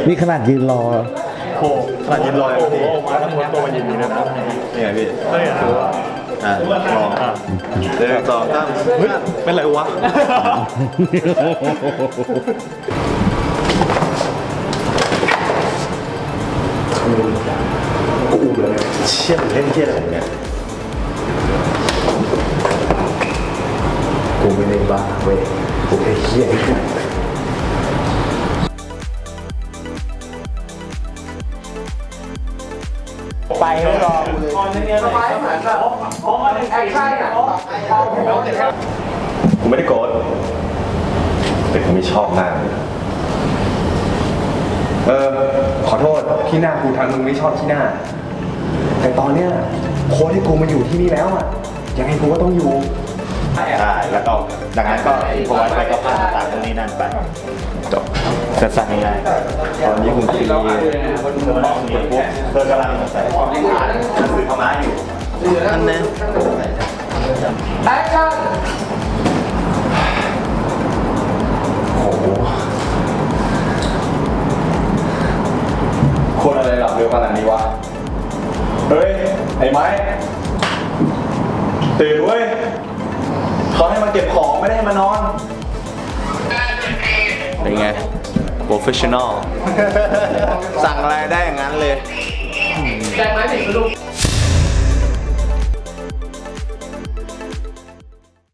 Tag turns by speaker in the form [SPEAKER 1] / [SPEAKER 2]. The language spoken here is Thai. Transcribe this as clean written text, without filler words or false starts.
[SPEAKER 1] นี่ขนาดยืนรอ
[SPEAKER 2] โอ้ขนาดยืนรอโอ้โหมาทั้งหมดตัวมันยืนนี้นะนี่ไงพี่เฮ้ยดูว่าลองเดินต่อตั้งเฮ้ยเป็นไรวะกูอุ้มเลยเชี่ยเล่นเที่ยอะไรเนี่ยกูไม่ได้บ้าเว้ยกูแค่เฮี้ย
[SPEAKER 3] ไปไม่รอเลย
[SPEAKER 2] กูไม่ได้โกรธแต่กูไม่ชอบมากเลยขอโทษที่หน้ากูทำมึงไม่ชอบที่หน้าแต่ตอนเนี้ยโค้ชที่กูมาอยู่ที่นี่แล้วอ่ะยังไงกูก็ต้องอยู่ใช่แล้วก็ดังนั้นก็พอไปก็ผ่านตามตรงนี้นั่นไปจบสั้นๆง่ายๆตอนนี้คุณตีมองอยู่ปุ๊บเธอกำลังใส่อ่านหนังสือธรรมะอยู่นั่นนะแอคชั่นโอ้โหคนอะไรหลับเร็วขนาดนี้วะเฮ้ยไอ้ไม้ตื่นเว้ยเขาให้มาเก็บของไม่ได้ให้มานอนเป็นไง professional สั่งอะไรได้อย่างนั้นเลย
[SPEAKER 3] แจกไม้ผิดลูก